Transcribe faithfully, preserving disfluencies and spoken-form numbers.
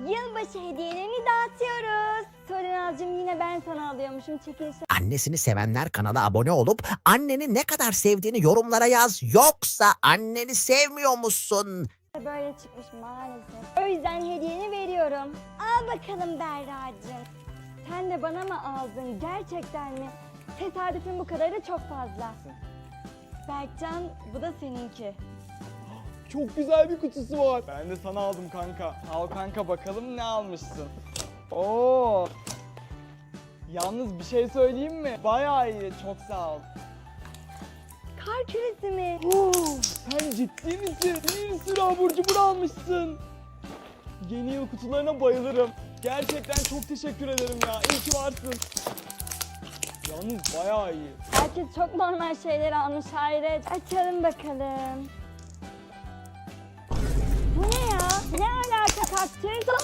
Yılbaşı hediyelerini dağıtıyoruz. Sorinazcığım yine ben sana alıyormuşum. Çekilişte Annesini sevenler kanala abone olup anneni ne kadar sevdiğini yorumlara yaz. Yoksa anneni sevmiyor musun? böyle çıkmış maalesef. O yüzden hediyeni veriyorum. Al bakalım Berracığım. Sen de bana mı aldın? Gerçekten mi? Tesadüfün bu kadarı çok fazla. Berkcan, bu da seninki. Çok güzel bir kutusu var. Ben de sana aldım kanka. Al kanka bakalım ne almışsın. Oo. Yalnız bir şey söyleyeyim mi? Bayağı iyi. Çok sağ ol. Kar küresi mi? Oo, sen ciddi misin? Bir sürü abur cubur almışsın. Yeni yıl kutularına bayılırım. Gerçekten çok teşekkür ederim ya. İyi ki varsın. Yalnız bayağı iyi. Herkes çok normal şeyler almış Hayret. Açalım bakalım. Bu ne ya? Ne alaka kaktüs?